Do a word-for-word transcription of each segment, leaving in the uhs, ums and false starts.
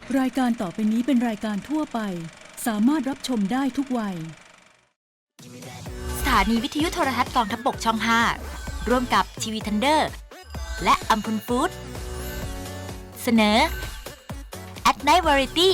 รายการต่อไปนี้เป็นรายการทั่วไปสามารถรับชมได้ทุกวัยสถานีวิทยุโทรทัศน์กองทัพบกช่อง ห้า ร่วมกับทีวีทันเดอร์และอัมพลฟู้ดเสนอ At Night Variety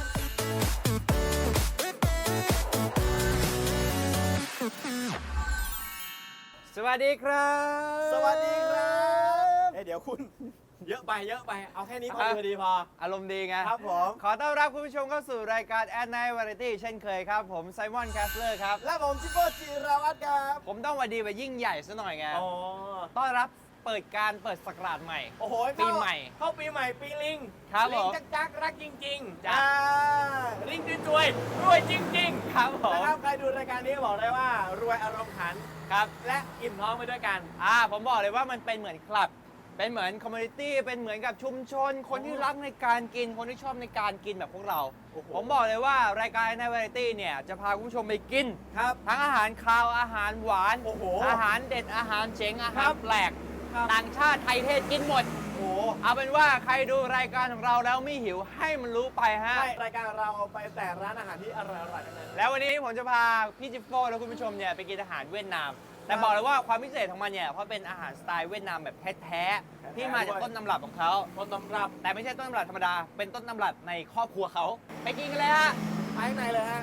สวัสดีครับสวัสดีครับเอ้ยเดี๋ยวคุณ เยอะไปเยอะไปเอาแค่นี้พอดีพอดีพออารมณ์ดีไงครับผมขอต้อนรับคุณผู้ชมเข้าสู่รายการ At Night Variety เช่นเคยครับ ผมไซมอนแคสเลอร์ครับและผมจิโก้จิราวัตรครับผมต้องหวัดดีแบบยิ่งใหญ่ซะหน่อยไงอ๋อต้อนรับเปิดการเปิดศักราชใหม่โอ้โหปีใหม่เข้าปีใหม่ปีลิงครับลิงผมจักจักรักจริงๆจ้ะอ่าลิงรวยรวยจริงๆครับผมนะครับใครดูรายการนี้บอกได้ว่ารวยอารมณ์ขันครับและอิ่มท้องไปด้วยกันอ่าผมบอกเลยว่ามันเป็นเหมือนคลับ เป็นเหมือนคอมมูนิตี้ เป็นเหมือนกับชุมชน คนที่รักในการกิน คนที่ชอบในการกินแบบพวกเราโอ้โหผมบอกเลยว่ารายการ At Night Variety เนี่ยจะพาคุณผู้ชมไปกินครับทั้งอาหารคาวอาหารหวานโอ้โหอาหารเด็ดอาหารเจ๋งอาคหารัรบแปลกครับต่างชาติไทยเทศกินหมดโอ้โหเอาเป็นว่าใครดูรายการของเราแล้วไม่หิวให้มันรู้ไปฮะใช่รายการเราเอาไปแต่ร้านอาหารที่อร่อยๆทั้งนั้นแล้ววันนี้ผมจะพาพี่จิฟโฟ่และคุณผู้ชมเนี่ยไปกินอาหารเวียดนาม แต่บอกเลยว่าความพิเศษของมันเนี่ยเพราะเป็นอาหารสไตล์เวียดนามแบบแท้ๆที่มาจากต้นตำรับของเขาต้นตำรับแต่ไม่ใช่ต้นตำรับธรรมดา เป็นต้นตำรับในครอบครัวเขาไปกินกันเลยฮะไปข้างในเลยฮะ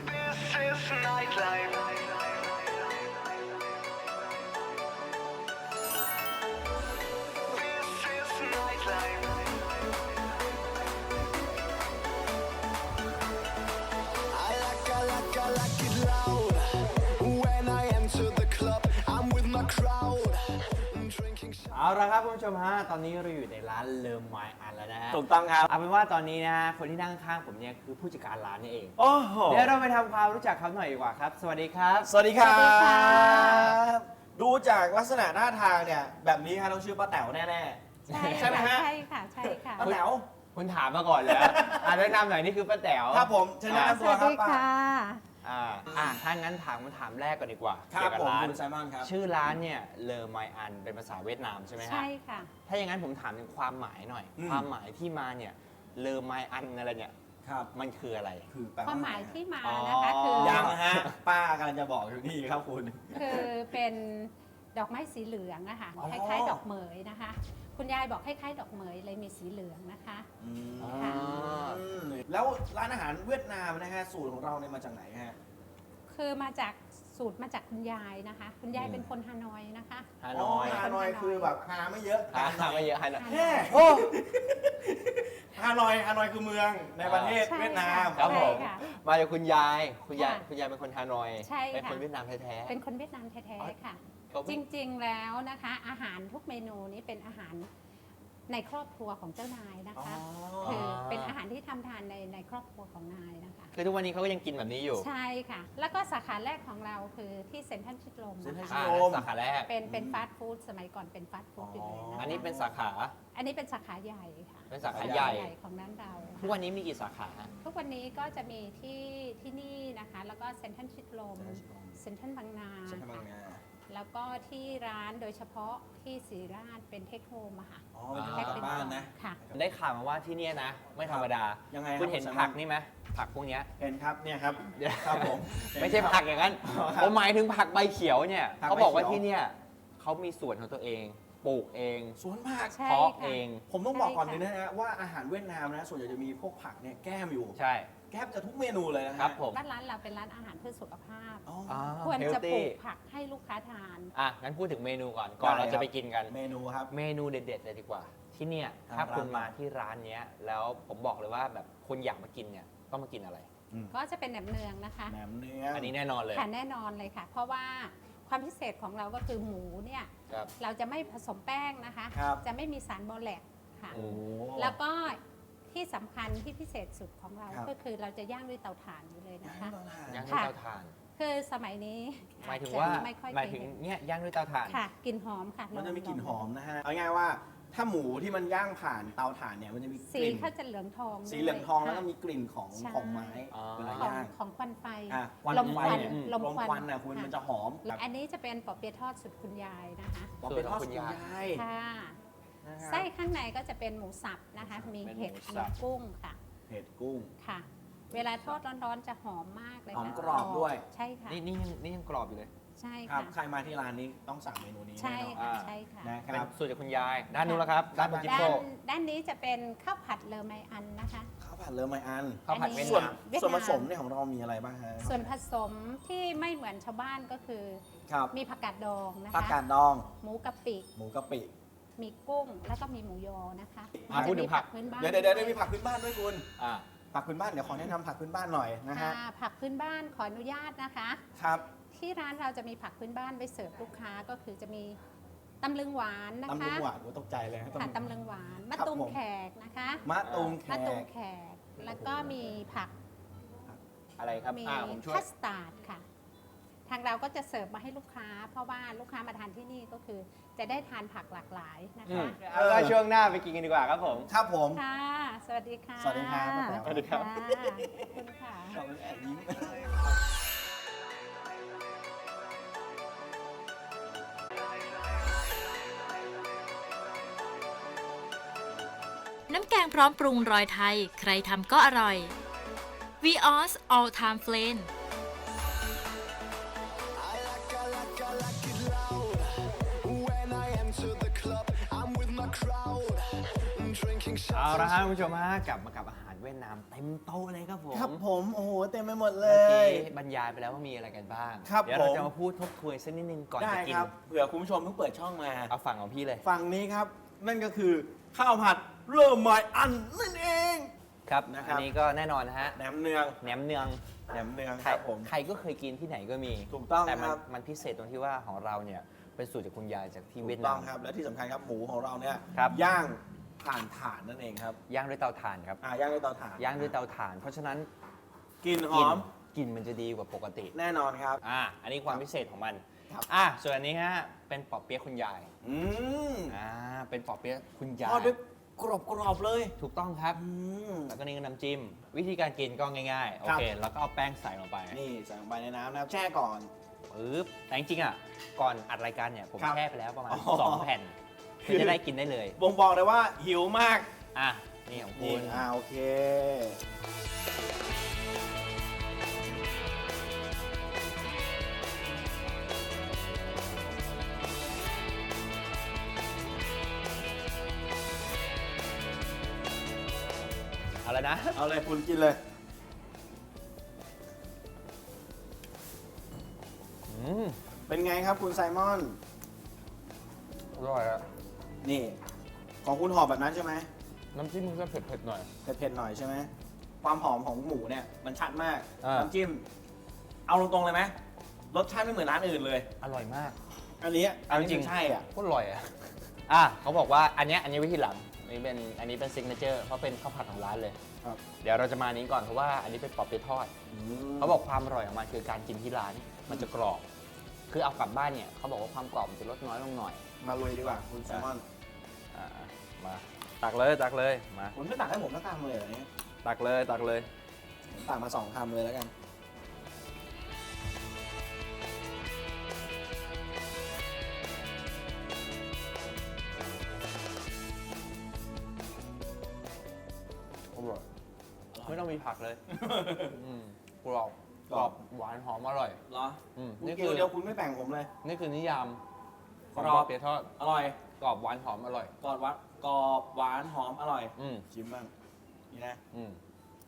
I like, I like, I like it loud. When I enter the club, I'm with my crowd. Drinking เอาละครับคุณผู้ชมฮะ ตอนนี้เราอยู่ในร้านเลิมไมอันแล้วนะฮะถูกต้องครับเอาเป็นว่าตอนนี้นะฮะคนที่นั่งข้างผมเนี่ยคือผู้จัดการร้านนี่เองโอ้โหเดี๋ยวเราไปทำความรู้จักเขาหน่อยดีกว่าครับ สวัสดีครับสวัสดีครัสวัสดีค่ะบ ดูจากลักษณะหน้าทางเนี่ย แบบนี้ฮะต้องชื่อป้าแต๋วแน่ใช่ใช่ไหมฮะใช่ค่ะ ใช่ค่ะๆป้าแต๋วคุณถามมาก่อนเลยอ่ะแนะนำหน่อยนี่คือป้าแต๋วครับผมเชิญแนะสนำตัววัสครับดีป้าค่ะอ่าอ่าถ้างั้นถามคำถามแรกก่อนดีกว่าครัเกี่บยวกับผมร้านคุณไซมอนครับชื่อร้านเนี่ยเลอไมอันเป็นภาษาเวียดนามใช่ไหมฮะใช่ค่ะถ้าอย่างนั้นผมถามถึงความหมายหน่อยอืมความหมายที่มาเนี่ยเลอไมอันอะไรเนี่ยครับมันคืออะไรคือแปลความหมายที่มาอ๋อนะคะคือยังนะฮะ ป้ากำลังจะบอกอยู่นี่ครับคุณคือเป็นดอกไม้สีเหลืองอะค่ะอ๋อคล้ายๆ ดอกเหมยนะคะ คุณยายบอกคล้ายๆ ดอกเหมยเลยมีสีเหลืองนะคะอืมค่ะแล้วร้านอาหารเวียดนามนะฮะสูตรของเราเนี่ยมาจากไหนฮะคือมาจากสูตรมาจากคุณยายนะคะ คุณยายเป็นคนฮานอยนะคะฮานอยฮานอยคือแบบฮาไม่เยอะฮาไม่เยอะฮานอยฮานอยแค่โอ้ฮานอยฮานอยคือเมืองในประเทศใช่เวียดนามครับผมใช่ค่ะมาจากคุณยาย คุณยายค่ะคุณยายเป็นคนฮานอยใช่เป็นค่ะคนเวียดนามแท้ๆเป็นคนเวียดนามแท้ๆค่ะเขาจริงๆ แล้วนะคะ อาหารทุกเมนูนี้เป็นอาหารในครอบครัวของเจ้านายนะอ๋อคะ คือเป็นอาหารที่ทำทานในในครอบครัวของนายนะคะคือทุกวันนี้เขาก็ยังกินแบบนี้อยู่ใช่ค่ะ แล้วก็สาขาแรกของเราคือที่เซ็นทรัลชิดลมเซ็นทรัลนะชิคะดอ่าลมสาขาแรกเป็นเป็นฟาสต์ฟู้ดสมัยก่อนเป็นฟาสต์ฟู้ดอยู่เลยนะคะอันนี้เป็นสาขาอันนี้เป็นสาขาใหญ่ค่ะเป็นสาขาใหญ่ของร้านเราทุกวันนี้มีกี่สาขาฮะทุกวันนี้ก็จะมีที่ที่นี่นะคะ แล้วก็เซ็นทรัลชิดลม เซ็นทรัลบางนาเซ็นทรัลบางนาแล้วก็ที่ร้านโดยเฉพาะที่ศรีราชเป็นเทคโฮมอะค่ะอ๋อเป็นทางกลับบ้านนะค่ะได้ข่าวมาว่าที่เนี่ยนะ ไม่ธรรมดายังไงคุณเห็นรับผักนี่ไหมผักพวกเนี้ยเห็นครับเนี่ยครับเดี๋ยวครับผมไม่ใช่ผักอย่างนั้นอ๋อครับผมหมายถึงผักใบเขียวเนี่ยผักใบเขียวเขาบอกว่าที่เนี่ยเขามีสวนของตัวเอง ปลูกเองสวนผักใช่เพาะค่ะเองผมต้องบอกก่อนใช่เลยค่ะนะฮะว่าอาหารเวียดนามนะส่วนใหญ่จะมีพวกผักเนี่ยแก้มอยู่ใช่แก้มจะทุกเมนูเลยนะฮะครับผมร้านร้านเราเป็นร้านอาหารเพื่อสุขภาพอ๋ออ่าควรจะปลู healthy กผักให้ลูกค้าทานอ่ะงั้นพูดถึงเมนูก่อน ก่อนได้เราครัจะบไปกินกันเมนูครับเมนูเด็ดๆเลยดีกว่า ที่เนี่ยทางถ้าคุณร้านมาที่ร้านเนี้ยแล้วผมบอกเลยว่าแบบคนอยากมากินเนี่ยต้องมากินอะไรก็จะเป็นแหนมเนืองนะคะแหนมเนื้ออัอันนี้แน่นอนเลยค่ะแน่นอนเลยค่ะ เพราะว่าความพิเศษของเราก็คือหมูเนี่ยครับเราจะไม่ผสมแป้งนะคะครับจะไม่มีสารบอแลกค่ะโอ้แล้วก็ที่สำคัญที่พิเศษสุดของเราครับก็คือเราจะย่างด้วยเตาถ่านอยู่เลยนะคะย่างด้วยค่ะเตาถ่านคือสมัยนี้หมายถึงว่าจะไม่ค่อยหมายถึงเคเห็นเนี่ยย่างด้วยเตาถ่านค่ะกลิ่นหอมค่ะมันจะมีกลิ่นลงหอมนะฮะ เอาง่ายๆว่าถ้าหมูที่มันย่างผ่านเตาถ่านเนี่ยมันจะมีกสีลิ่นเขาจะเหลืองทองสีเหลืองทองแล้วก็ค่ะมีกลิ่นของใช่ของไม้อ๋อเวลาของย่างของควันไฟอ่ะควันลมไฟควันเนี่ยลมควันควันนะคุณค่ะมันจะหอมแล้วอันนี้จะเป็นปอเปี๊ยะทอดสุดคุณยายนะคะบอกเป็นทอดสูสุตดรของคุณยยายายค่ะนะครับไส้ข้างในก็จะเป็นหมูสับนะคะ มีเป็นเห็ดหมูสับมีกุ้งค่ะอเห็ดกุ้งค่ะ เวลาทอดร้อนๆจะหอมมากเลยหอมค่ะกรอบด้วยใช่ค่ะนี่นี่ยังนี่ยังกรอบอยู่เลยใช่ครับค่ะใครมาที่ร้านนี้ต้องสั่งเมนูนี้ใช่แน่นอนค่ะอ่าใช่ค่ะนะคเป็นรับสูตรจากคุณยาย ด้านนู้นแล้วครับ ด้านบนจิปด้าโซนด้านนี้จะเป็นข้าวผัดเลอไมอันนะคะข้าวผัดเลอไมอันข้าวผัดเวียดส่วนนามเวียดนามส่วนผสมเนี่ยของเรามีอะไรบ้างฮะส่วนผสมที่ไม่เหมือนชาวบ้านก็คือครับมีผักกาดดองนะผักคะกาดดองหมูกะปิหมูกะปิมีกุ้ง แล้วก็มีหมูยอนะคะอ่ะพูดถึงผักจะมีพื้นบ้านเดี๋ยวเดี๋ยวเดี๋ยวมีผักพื้นบ้านด้วยคุณอ่าผักพื้นบ้านเดี๋ยวขอแนะนำผักพื้นบ้านหน่อยนะฮะค่ะผักพื้นบ้านขออนุญาตนะคะครับที่ร้านเราจะมีผักพื้นบ้านไว้เสิร์ฟลูกค้าก็คือจะมีตำลึงหวานนะตำลึคะงหวานโอ้ตกใจเลยฮะค่ะตำลึงหวานมะครับตูมผมแขกนะคะมะตูมแขมะตูมกแขก แล้วก็มีผักอะไรครับมีอ่าผมช่วยคัสตาร์ดค่ะ ทางเราก็จะเสิร์ฟมาให้ลูกค้า เพราะว่าลูกค้ามาทานที่นี่ก็คือจะได้ทานผักหลากหลายนะอืคะมเอาละช่วงหน้าไปกินกันดีกว่าครับผมครับผมค่ะ สวัสดีค่ะสวัสดีครับป้าแป๋วสวัสดีครับะขอบคุณค่ะขอบคุณแอบยิ้มน้ำแกงพร้อมปรุงรอยไทย ใครทำก็อร่อย Vios All Time Flame I like, I like, I like it loud. When I enter the club, I'm with my crowd. Drinking เอา shots ละครับคุณผู้ชมฮะกลับมากับอาหารเวียดนามเต็มโต๊ะเลยครับผมครับผม โอ้โห เต็มไปหมดเลเมื่อกี้ยบรรยายไปแล้วว่ามีอะไรกันบ้างครับเดี๋ยวเราผมจะมาพูดทบทวนสักนิดนึงก่อนได้จะกินครับเผื่อคุณผู้ชมเพิ่งเปิดช่องมาเอาฝั่งของพี่เลยฝั่งนี้ครับ นั่นก็คือข้าวผัดเริ่มใหม่อันนั่นเองครับนะครับอันนี้ก็แน่นอนนะฮะแหนมเนืองแหนมเนืองแหนมเนืองใคครรับผมใครก็เคยกินที่ไหนก็มีถูกต้องแต่มันครับมันพิเศษตรงที่ว่าของเราเนี่ยเป็นสูตรจากคุณยายจากที่ถูเวียกดต้นาองมครับ และที่สำคัญครับหมูของเราเนี่ยครับย่างผ่านถ่านนั่นเองครับย่างด้วยเตาถ่านครับอ่าย่างด้วยเตาถ่านย่างด้วยเตาถ่าน เพราะฉะนั้นกลินหกลิ่อน มกลิ่นมันจะดีกว่าปกติแน่นอนครับอ่าอันนี้ความพิเศษของมันครับอ่ะส่วนอันนี้ฮะเป็นปอเปี๊ยะคุณยายอืมอ่าเป็นปอเปี๊ยะคุณยาทอดยด้วยกรอบกรอบๆเลยถูกต้องครับอืมแล้วก็นี่ก็น้ำจิ้ม วิธีการกินก็ง่ายๆ โอครับเค แล้วก็เอาแป้งใส่ลงไปนี่ใส่ลงไปในน้ำนะครับแช่ก่อนปึ๊บแต่จริงๆอ่ะ ก่อนอัดรายการเนี่ย ผมครับแช่ไปแล้วประมาณอ๋อสองแผ่นคืเพื่ออจะได้กินได้เลยบ่งบอกเลยว่าหิวมากอ่ะ นี่ของคุนี่ณอ่าโอเคเอาแล้วนะเอาเลยคุณกินเลยอืมเป็นไงครับคุณไซมอนอร่อยอะนี่ ของคุณหอมแบบนั้นใช่ไหมน้ำจิ้มมันจะเผ็ดๆหน่อยเผ็ดๆหน่อยใช่ไหม ความหอมของหมูเนี่ยมันชัดมากอ่าน้ำจิ้ม เอาตรงๆเลยไหมรสชาติไม่เหมือนร้านอื่นเลยอร่อยมากอันนี้เอาจริงใช่อ่ะโคตรอร่อยอ่ะ อ่ะเขาบอกว่าอันเนี้ยอันนี้ไว้ที่หลัง อันนี้เป็นอันนี้เป็นซิกเนเจอร์เพราะเป็นข้าวผัดของร้านเลยครับเดี๋ยวเราจะมาอันนี้ก่อนเพราะว่าอันนี้เป็นปอเปี๊ยะทอดอืมเขาบอกความอร่อยของมันคือการกินที่ร้าน มันจะกรอบ คือเอากลับบ้านเนี่ยเขาบอกว่าความกรอบมันจะลดน้อยลงหน่อยมาลุยดีกว่าคุณไซมอนอ่า มา ตักเลยตักเลย มาคุณไม่ตักให้ผมสักคำเลยเหรอเนี่ยตักเลยตักเลยผมตักมาสองคำเลยแล้วกันอร่อย ไม่ต้องมีผักเลย อืมกรอบกรอบหวานหอมอร่อยเหรออืมคุณนี่กิคืนอเดียวคุณไม่แบ่งผมเลยนี่คือนิยามของกรอบปอเปี๊ยะทอดอร่อยกรอบหวานหอมอร่อยกรอบหวานกรอบหวานหอมอร่อยอืมชิมบ้าง นี่นะอืม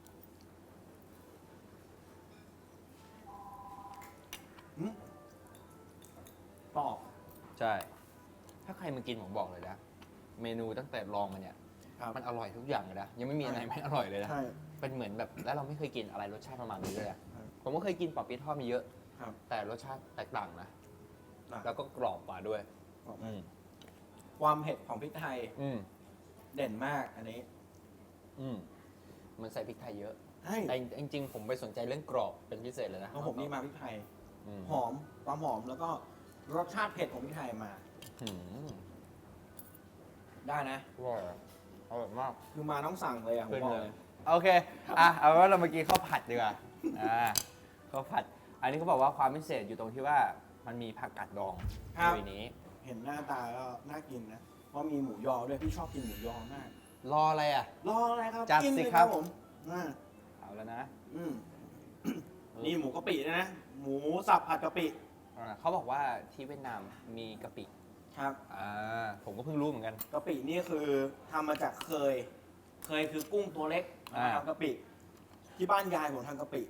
อืมกรอบใช่ ถ้าใครมากินผมบอกเลยนะ เมนูตั้งแต่ลองมาเนี่ยครับมันอร่อยทุกอย่างเลยนะ ยังไม่มีอะไรไม่อร่อยเลยนะใช่เป็นเหมือนแบบแล้วเราไม่เคยกินอะไรรสชาติประมาณนี้เลยอะครับผมก็เคยกินปอเปี๊ยะทอดมาเยอะครับแต่รสชาติแตกต่างนะอ่ะแล้วก็กรอบกว่าด้วยกรอบอืมความเผ็ดของพริกไทยอืมเด่นมากอันนี้อืมมันใส่พริกไทยเยอะใช่แต่จริงๆ ผมไปสนใจเรื่องกรอบเป็นพิเศษเลยนะของผมนี่มาพริกไทยอืมหอม ความหอมแล้วก็รสชาติเผ็ดของพริกไทยมาอืมได้นะอร่อยอะอร่อยมากคือมาต้องสั่งเลยอ่ะผมบอกเลยโอเค อ่ะ เอาเป็นว่าเรามากินข้าวผัดดีกว่า อ่า ข้าวผัด อันนี้เขาบอกว่าความพิเศษอยู่ตรงที่ว่ามันมีผักกาดดองครับในนี้เห็นหน้าตาก็น่ากินนะ เพราะมีหมูยอด้วย พี่ชอบกินหมูยอมากรออะไรอ่ะรออะไรครับจัดกินสิเลยครับผมอ่าเอาแล้วนะอืมนี่หมูกะปิด้วยนะ หมูสับผัดกะปิอ่าเขาบอกว่าที่เวียดนามมีกะปิครับอ่าผมก็เพิ่งรู้เหมือนกันกะปินี่คือทำมาจากเคย เคยคือกุ้งตัวเล็กอ่ามาทำกะปิ ที่บ้านยายผมทำกะปิ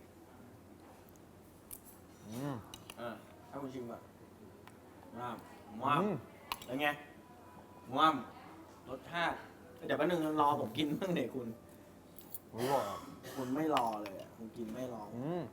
อืมอ่าให้คุณชิมก่อนว้าวว้าวอืมเป็นไงว้าวรสชาติเดี๋ยวแป๊บนึงรอผมกินบ้างเดี๋ยวคุณอร่อยอ่ะคุณไม่รอเลยอ่ะคุณกินไม่รออืม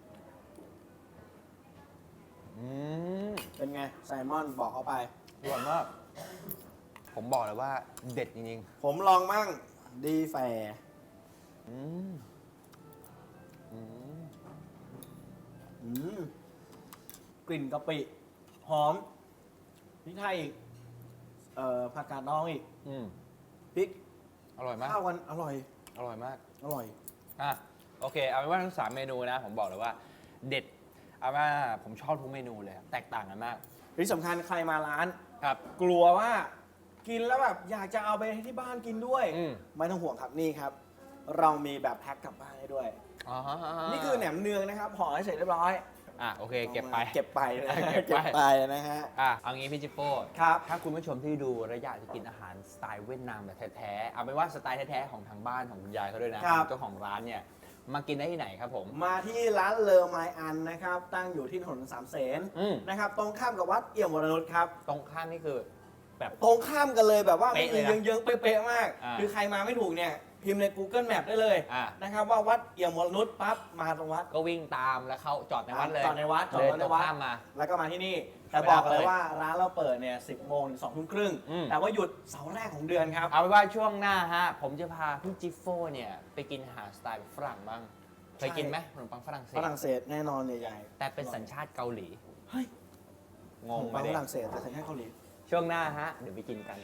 อืมเป็นไงไซมอนบอกเขาไปอร่อยมาก ผมบอกเลยว่าเด็ดจริงผมลองมั่งดีแฟร์ๆอืมอืมอืมกลิ่นกะปิ หอมพริกไทยอีกเอ่อผักกาดดองอีกอืมพริกอร่อยมากข้าวกันอร่อยอร่อยมากอร่อยอ่ะโอเค เอาเป็นว่าทั้งสามเมนูนะ ผมบอกเลยว่า เด็ด เอาว่าผมชอบทุกเมนูเลย แตกต่างกันมากที่สำคัญใครมาร้านครับกลัวว่ากินแล้วแบบอยากจะเอาไปให้ที่บ้านกินด้วยอืมไม่ต้องห่วงครับนี่ครับ เรามีแบบแพ็คกลับบ้านให้ด้วยอ๋อนี่คือแหนมเนืองนะครับห่อให้เสร็จเรียบร้อยอ่ะโอเค เก็บไปเก็บไปนะเก็บไปเก็บไปนะฮะอ่ะเอางี้พี่จิโป้ครับถ้าคุณผู้ชมที่ดูและอยากจะกินอาหารสไตล์เวียดนามแบบแท้ๆ เอาเป็นว่าสไตล์แท้ๆของทางบ้านของคุณยายเขาด้วยนะครับ เจ้าของร้านเนี่ย มากินได้ที่ไหนครับผมมาที่ร้านเลอไมอันนะครับ ตั้งอยู่ที่ถนนสามเสนอืมนะครับ ตรงข้ามกับวัดเอี่ยมวรนุชครับตรงข้ามนี่คือแบบตรงข้ามกันเลยแบบว่าเป๊ะเลยนะเยื้องๆเป๊ะๆมากอ่าคือใครมาไม่ถูกเนี่ย พิมพ์ใน Google Map ได้เลยอ่านะครับว่าวัดเอี่ยมวรนุชปั๊บมาตรงวัดก็วิ่งตามแล้วเข้าจอดในวัดเลยจอดในวัดจอดเดิรถนในตรงวัดข้ามมาแล้วก็มาที่นี่ แต่ไม่บอกได้เลยเลยว่าร้านเราเปิดเนี่ยสิบโมงถึงสองทุ่มครึ่งอืมแต่ว่าหยุดเสาร์แรกของเดือนครับเอาเป็นว่าช่วงหน้าฮะ ผมจะพาพี่จิฟโฟเนี่ย ไปกินอาหารสไตล์แบบฝรั่งบ้าง เคยกินไหมขนมปังฝรั่งเศฝสรั่งเศสแน่นอนใหญ่ๆแต่เป็นสัญชาติเกาหลีเฮ้ยงงขนมไหมปังเด็ฝรั่งเศสแต่สัญชาติเกาหลีช่วงหน้าฮะ เดี๋ยวไปกินกัน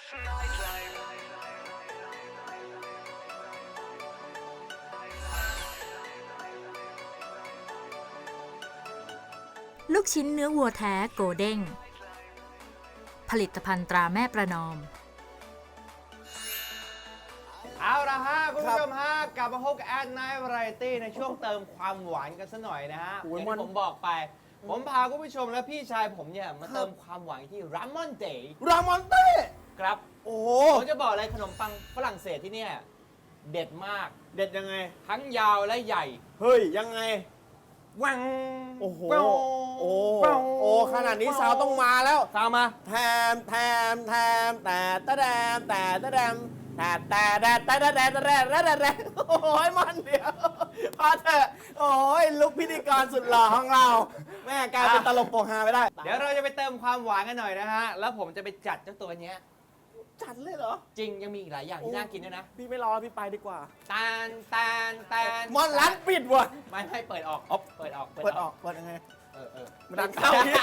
ลูกชิ้นเนื้อวัวแท้โกเด้ง ผลิตภัณฑ์ตราแม่ประนอมเอาละฮะ คุณผู้ชมฮะ กลับมาพบกับแอดไนท์วาไรตี้ในช่วงเติมความหวานกันสัหน่อยนะฮะโอ้อย ย่างมันที่ผมบอกไป ผมพาคุณผู้ชมและพี่ชายผมเนี่ย มาเติมความหวานที่รามอนเดย์รามอนเต้ครับโอ้โหผมจะบอกเลยขนมปังฝรั่งเศสที่เนี่ย เด็ดมากเด็ดยังไงทั้งยาวและใหญ่เฮ้ย ยังไงวังโอ้โหแป้วโอ้แป้วโอ้ขนาดนี้สาวต้องมาแล้วตามมาแทมแทมแทมแต่ตะแดมแต่ตะแดมแต่แต่แต่แต่แต่แต่แต่แต่แต่แต่โอ้ยมันเดียวพอเถอะโอ้ยลุกพิธีกรสุดหล่อของเรา แม่กลายเป็นตลกโปกฮาไปได้เดี๋ยวเราจะไปเติมความหวานกันหน่อยนะฮะ แล้วผมจะไปจัดเจ้าตัวเนี้ยจัดเลยเหรอจริงยังมีอีกหลายอย่างที่น่ากินด้วยนะพี่ไม่รอแล้วพี่ไปดีกว่าตาลตาลตาลมอนร้านปิดว่ะไม่ไม่เปิดออกอ๋อเปิดออกเปิดออกเปิดยังไงเออเออมันดังเข้าพี่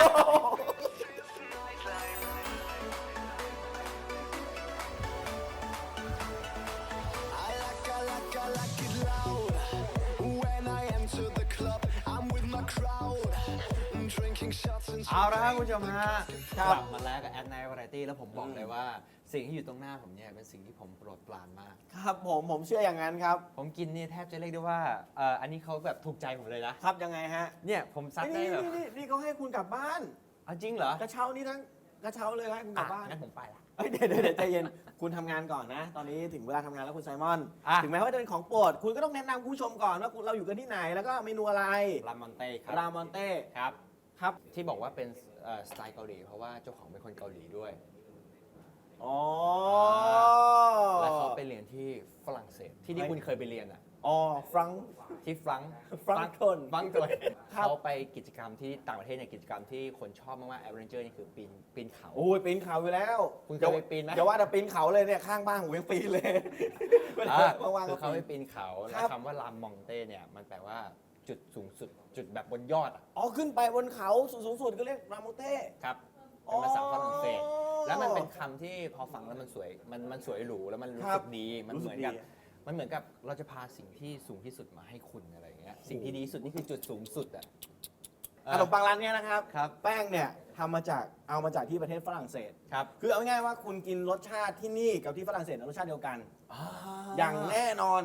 I like, I like, I like it loud. When I enter the club, I'm with my crowd. Drinking shots and เอาละครับคุณผู้ชมฮะครักบลับมาแล้วกับแอดไนท์วาไรตี้แล้วผมบอกเลยว่า สิ่งที่อยู่ตรงหน้าผมเนี่ยเป็นสิ่งที่ผมโปรดปรานมากครับผมผมเชื่ออย่างนั้นครับผมกินเนี่ยแทบจะเรียกได้ว่าเอ่ออันนี้เขาแบบถูกใจผมเลยนะครับยังไงฮะเนี่ยผมซัดได้นี่แบบนี่นี่นี่เขาให้คุณกลับบ้านเอาจริงเหรอกระเช้านี่ทั้งกระเช้าเลยให้คุณกลับบ้านอ่ะงั้นผมไปละเอ้ยเดี๋ยวเดี๋ยวเดี๋ยวใจเย็น คุณทำงานก่อนนะ ตอนนี้ถึงเวลาทำงานแล้วคุณไซมอนอ่ะถึงแม้ว่าจะเป็นของโปรด คุณก็ต้องแนะนำคุณผู้ชมก่อนว่าเราอยู่กันที่ไหน แล้วก็เมนูอะไรรามอนเต้ครับรามอนเต้ครับครับที่บอกว่าเป็นเอ่อสไตล์เกาหลีเพราะว่าเจ้าของเป็นคนเกาหลีด้วยอ๋อแล้วเขาไปเรียนที่ฝรั่งเศสที่ที่คุณเคยไปเรียนอ่ะอ๋อฟรังก์ที่ฟรังก์ฟรังก์ทนฟรังก์ทนครับเขาไปกิจกรรมที่ต่างประเทศเนี่ยกิจกรรมที่คนชอบมากๆแอดเวนเจอร์นี่คือปีนปีนเขาโอ้ยปีนเขาอยู่แล้วคุณเคยไปปีนไหมอย่าว่าแต่ปีนเขาเลยเนี่ยข้างบ้านผมยังปีนเลยอ่าว่างๆคืก็อเขาไปปีนปีนเขาครัแล้วบคำว่ารามมองเต้เนี่ยมันแปลว่าจุดสูงสุดจุดแบบบนยอดอะอ๋อขึ้นไปบนเขาสูงสุดก็เรียกรามอนเต้ครับเป็นภาษาฝรั่งเศสอ๋อแล้วมันเป็นคำที่พอฟังแล้วมันสวยมันมันสวยหรูแล้วมันรู้ครัสึบกดีมันรู้เหสึมืกอนกับดีมันเหมือนกับเราจะพาสิ่งที่สูงที่สุดมาให้คุณอะไรอย่างเงี้ยสิ่งที่ดีที่สุดนี่คือจุดสูงสุดอะขนมปังร้านเนี้ยนะครับครับแป้งเนี่ยทำมาจากเอามาจากที่ประเทศฝรั่งเศสครับคือเอาง่ายๆว่าคุณกินรสชาติที่นี่กับที่ฝรั่งเศสรสชาติเดียวกัน อย่างแน่นอน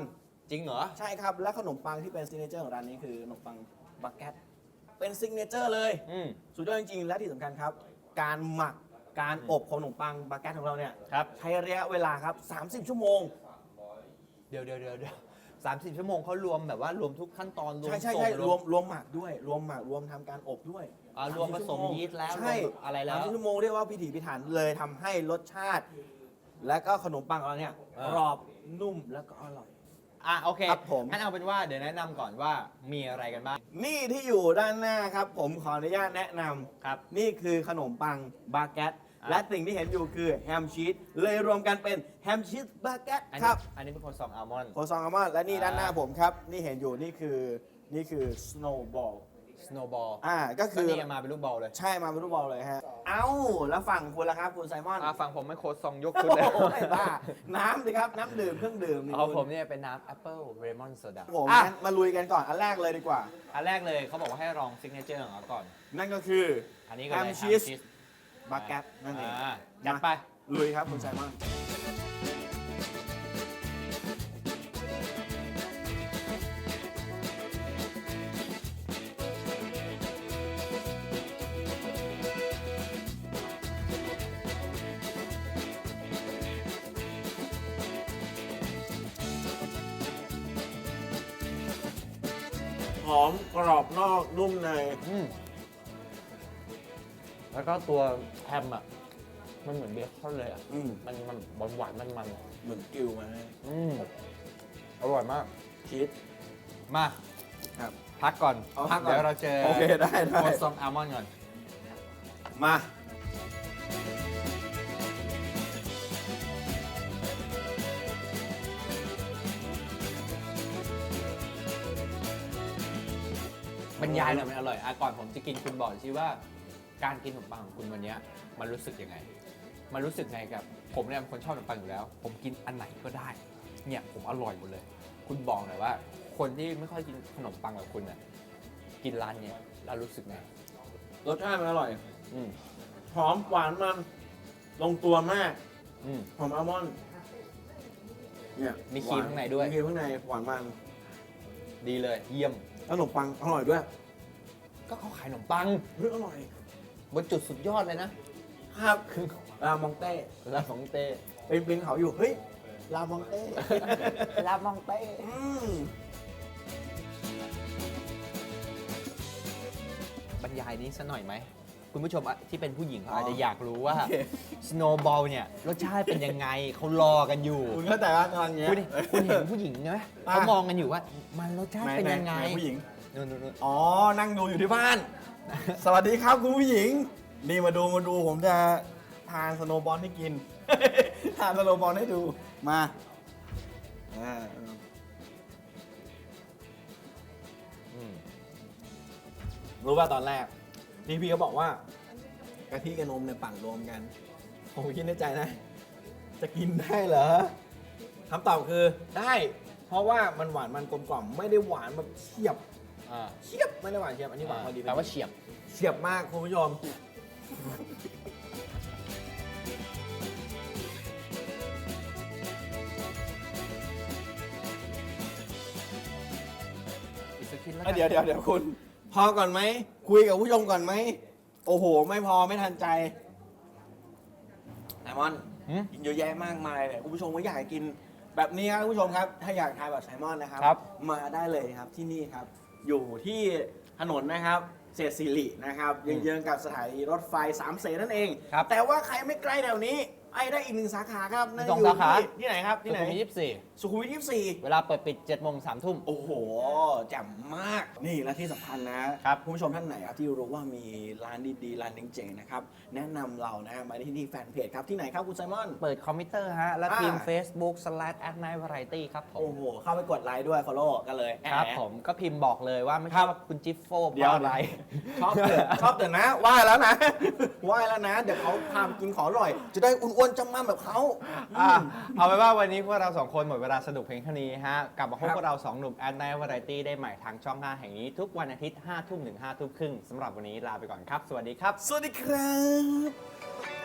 จริงเหรอใช่ครับ และขนมปังที่เป็นซิกเนเจอร์ของร้านนี้คือขนมปังบาเกตเป็นซิกเนเจอร์เลยอืมสุดยอดจริงๆ และที่สำคัญครับ การหมักการอบของขนมปังบาเกตของเราเนี่ยครับใช้ระยะเวลาครับ สามสิบ ชั่วโมงเดี๋ยวเดี๋ยวเดี๋ยวเดี๋ยวสามสิบชั่วโมงเขารวมแบบว่ารวมทุกขั้นตอนรวมใช่ใช่ส่งใช่รวมรวมหมักด้วย รวมหมักรวมทำการอบด้วยอ่ารวมผสมสามสิบยีสต์แล้วใช่รวมอะไรแล้วสามสิบชั่วโมงเรียกว่าพิถีพิถันเลยทำให้รสชาติ และก็ขนมปังของเราเนี่ยเออกรอบนุ่มแล้วก็อร่อยอ่ะโอเคครับผมงั้นเอาเป็นว่าเดี๋ยวแนะนำก่อนว่ามีอะไรกันบ้างนี่ที่อยู่ด้านหน้าครับ ผมขออนุญาตแนะนำครับนี่คือขนมปังบาเกตอ่ะและสิ่งที่เห็นอยู่คือแฮมชีสเลยรวมกันเป็นแฮมชีสบาเกตอันคนี้รับอันนี้เป็นโคซองอัลมอนด์โคซองอัลมอนด์และนี่อ่าด้านหน้าผมครับ นี่เห็นอยู่นี่คือนี่คือสโนว์บอลสโนว์บอลอ่าก็ก็คือนี่มาเป็นลูกบอลเลยใช่มาเป็นลูกบอลเลยฮะ เอ้า แล้วฝั่งคุณล่ะครับคุณไซมอนอ่ะฟังผมไม่โคซองยกโอ้ขึ้นเลยโหไม่บ้าน้ำสิครับ น้ำดื่มเครื่องดื่มนี่เอาคุณผมเนี่ยเป็นน้ำแอปเปิลเรมอนโซดาผมอ่ะงั้นมาลุยกันก่อน อันแรกเลยดีกว่าอันแรกเลยเขาบอกว่าให้ลองซิกเนเจอร์ของเขาก่อนนั่นก็คืออันนี้ก็แฮเลยมชีสแฮมบาเกตนั่นเองอ่าจัดไปลุยครับคุณไซมอน หอมกรอบนอกนุ่มในอืมแล้วก็ตัวแฮมอ่ะ มันเหมือนเบคอนเลยอ่ะอืมมันมันหวานหวานมันมันๆอ่ะเหมือนกิวมาให้อืมอร่อยมากชีสมาครับพักก่อนเอาพักก่อนเดี๋ยวเราเจอโอเคได้ได้โคซองอัลมอนด์ก่อนมาบรรยายหน่อยมันอร่อยอ่ะก่อนผมจะกินคุณบอกสิว่าการกินขนมปังของคุณวันเนี้ยมันรู้สึกยังไง มันรู้สึกไงกับ ผมเนี่ยเป็นคนชอบขนมปังอยู่แล้ว ผมกินอันไหนก็ได้ เนี่ยผมอร่อยหมดเลย คุณบอกหน่อยว่า คนที่ไม่ค่อยกินขนมปังแบบคุณน่ะกินร้านเนี้ยแล้วรู้สึกไงรสชาติมันอร่อยอืมหอมหวานมัน ลงตัวมากอืมหอมอัลมอนด์เนี่ยมีครีมข้างในด้วยมีครีมข้างในหวานมันดีเลย เยี่ยมแล้วขนมปังอร่อยด้วยก็เขาขายขนมปังเฮ้ยอร่อยบนจุดสุดยอดเลยนะครับรามองเต้ร้านของเต้เป็นเป็นเขาอยู่ เฮ้ย รามองเต้ร้านมองเต้อืมบรรยายนี้สักหน่อยไหม คุณผู้ชมอ่ะที่เป็นผู้หญิงเขาอาจจะอยากรู้ว่าโอเคสโนว์บอลเนี่ย รสชาติเป็นยังไง เขารอกันอยู่คุณเข้าใจว่ากำลังเนี้ยคุณคุณเห็นผู้หญิงไหมอ่ะเขามองกันอยู่ว่า มันรสชาติเป็นยังไงหนหนผู้หญิงนู่นนู่นนู่นอ๋อ นั่งดูอยู่ที่บ้าน สวัสดีครับคุณผู้หญิง นี่มาดูมาดูผมจะทานสโนว์บอลให้กิน ทานสโนว์บอลให้ดู มาอ่าอืมรู้ว่าตอนแรกพี่พี่เขาบอกว่ากะทิกับนมเนี่ยปั่นรวมกัน ผมคิดในใจนะ จะกินได้เหรอคำตอบคือได้ เพราะว่ามันหวานมันกลมกล่อมไม่ได้หวานแบบเฉียบอ่าเฉียบไม่ได้หวานเฉียบอันนี้หวานพอดีแปลว่าเฉียบเฉียบมากคุณผู้ชมอีกสักทีแล้วเดี๋ยวเดี๋ยวเดี๋ยวคุณ พอก่อนไหม คุยกับผู้ชมก่อนไหม โอ้โห ไม่พอไม่ทันใจไซมอนหืมกินเยอะแยะมากมายเลยคุณผู้ชมก็อยากกินแบบนี้ครับคุณผู้ชมครับ ถ้าอยากทานแบบไซมอนนะครับครับมาได้เลยครับที่นี่ครับ อยู่ที่ถนนนะครับเศรษฐศิรินะครับเยื้องๆกับสถานีรถไฟสามเสนนั่นเองครับแต่ว่าใครไม่ใกล้แถวนี้ไอ้ได้อีกหนึ่งสาขาครับนั่นสองอยู่สาขาที่ที่ไหนครับที่ไหนสุขุมวิทยี่สิบสี่สุขุมวิทยี่สิบสี่เวลาเปิดปิดเจ็ดโมงสามทุ่มโอ้โหแจ่มมาก นี่และที่สำคัญนะครับ คุณผู้ชมท่านไหนครับที่รู้ว่ามีร้านดีๆร้านเจ๋งๆนะครับ แนะนำเรานะมาที่นี่แฟนเพจครับ ที่ไหนครับคุณไซมอนเปิดคอมพิวเตอร์ฮะ แล้วอ่าพิมพ์ Facebook slash at night variety ครับผมโอ้โห เข้าไปกดไลค์ด้วย follow กันเลยครับแหผมก็พิมพ์บอกเลยว่าไม่ครัใช่บว่าคุณจิ๊ฟโฟเพเดี๋ยวราะอะไรชอบเตือนชอบเตือนนะว่าแล้วนะ ว่าแล้วนะ เดี๋ยวเขาพาไปกินของอร่อย จะได้อ้วนๆจำมั่มแบบเขาอ่ะเอาไปนว่าวันนี้พวกเราสองคนหมดเวลาสนุกเพียงเท่านี้ฮะ กลับมาพบครับพวกเราสองหนุ่ม at night variety ได้ใหม่ทางช่องห้าแห่งนี้ ทุกวันอาทิตย์ห้าทุ่มถึงห้าทุ่มครึ่งสำหรับวันนี้ลาไปก่อนครับ สวัสดีครับสวัสดีครับ